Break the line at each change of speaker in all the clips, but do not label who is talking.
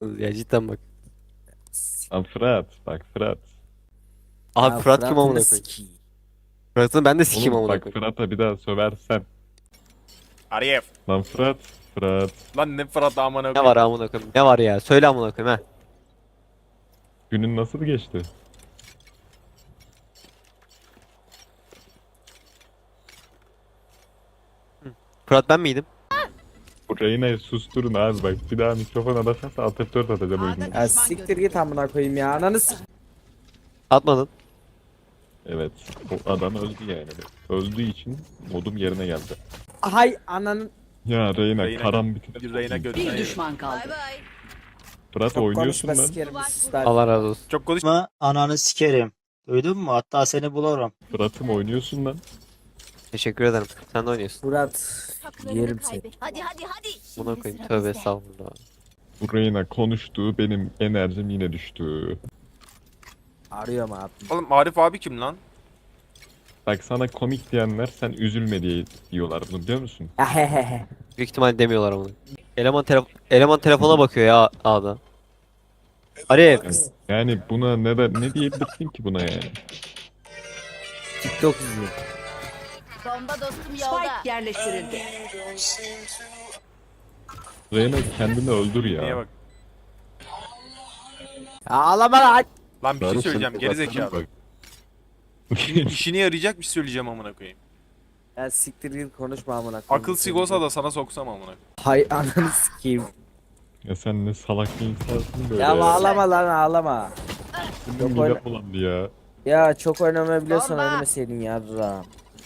Ya cidden bak.
Lan Fırat. Bak Fırat.
Abi
Ya
Fırat kim
Fırat'ın
amına
da
koyayım?
sikiyim.
Fırat'ı ben de sikeyim
Oğlum
amına
bak
koyayım.
Fırat'a bir daha söversen.
Arif.
Lan Fırat. Fırat.
Lan ne Fırat amına
Ne
koyayım.
var amına koyayım? Ne var ya? Söyle amına koyayım ha.
Günün nasıl geçti?
Fırat ben miydim?
Bu Reyna'yı susturun abi bak. Bir daha mikrofona basarsa atıp 4 atacağım oyunu.
Ya siktir git amına koyayım ya. Ananı
Atmadın.
Evet. O adam öldü yani. Öldüğü için modum yerine geldi.
Hay ananın.
Ya Reyna,
Reyna-
karambitine
Reyna
sokayım.
götüne
Bir
yedi.
düşman kaldı.
Fırat
Çok
oynuyorsun
konuşma
lan.
sikerim bir sus lan.
Allah razı olsun.
Çok konuş.
Ananı sikerim. Duydun mu? Hatta seni bulurum.
Fırat'ım oynuyorsun lan.
Teşekkür ederim. Sen de oynuyorsun.
Murat. Yerim seni.
Hadi hadi hadi.
Buna koyayım. Tövbe estağfurullah.
Bu Reyna konuştu, benim enerjim yine düştü.
Arıyorum abi.
Oğlum Arif abi kim lan?
Bak sana komik diyenler sen üzülme diye diyorlar bunu biliyor musun?
Ya he he he.
Büyük ihtimal demiyorlar onu. Eleman telefona bakıyor ya A'da. Arif.
Yani buna ne diyebilirsin ki buna yani?
TikTok izliyor.
Bomba dostum yolda. Spike yerleştirildi.
Reyna kendini öldür
Niye
ya.
bak.
Ya ağlama lan.
Lan bir şey
Darı
söyleyeceğim
seni
gerizekalı.
bak.
İşine yarayacak bir şey söyleyeceğim amına koyayım.
Ya siktir git konuşma amına koyayım.
Akıl sigosa da sana soksam amına koyayım.
Hay ananı sikeyim.
Ya sen ne salak bir insansın böyle
Ya ağlama lan ağlama.
Benim
Yok,
midem bulandı ya.
Ya çok oynamayı biliyorsan
Sorma.
oynameseydin yarra.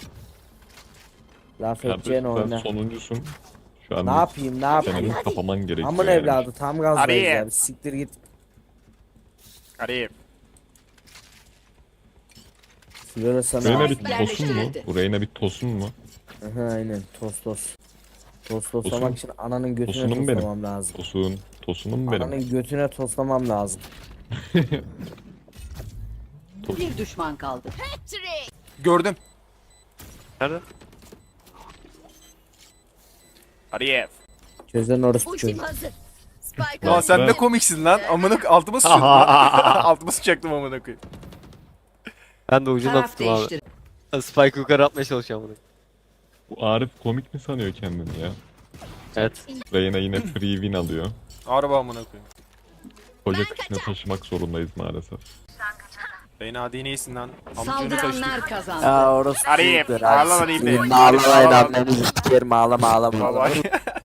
Laf edeceğin
Kardeşim sen
oyna.
sonuncusun. Şu an
Ne yapayım ne yapayım?
senin kapaman gerekiyor
Amın
yani.
evladı tam gazdayız
Abi.
ya. Bir siktir git.
Arif.
Flora sana.
Reyna bir
Spike
tosun mu?
yerleştirildi.
Bu Reyna bir tosun mu?
Aha, aynen tostos.
Tosun.
Toslamak için ananın götüne
Tosunum benim.
toslamam lazım.
Tosunum benim.
Ananın götüne toslamam lazım.
Bir düşman kaldı.
Gördüm.
Nerede?
Şey
Arif.
Çözen orospu çocuğu.
hazır. Spike
Lan sen
ben-
ne komiksin lan. Amına altıma sıçıyordum lan. Altıma sıçacaktım amına koyayım.
Ben de ucundan
taraf
tuttum abi.
değiştir.
Spike yukarı atmaya çalışıyorum bunu.
Bu Arif komik mi sanıyor kendini ya?
Evet.
Reyna yine free win alıyor.
Araba amına koyayım.
Koca kışına taşımak zorundayız maalesef.
Beni hadi neysin lan. Amcını taşıdık.
Saldıranlar kazandı.
Ya orospu
Arif,
çocukları,
ağlama
hadi
diyeyim
siktirin,
de.
Ağlamayın
Ağlama.
annenizi sikerim ağlama ağlama.
Baba.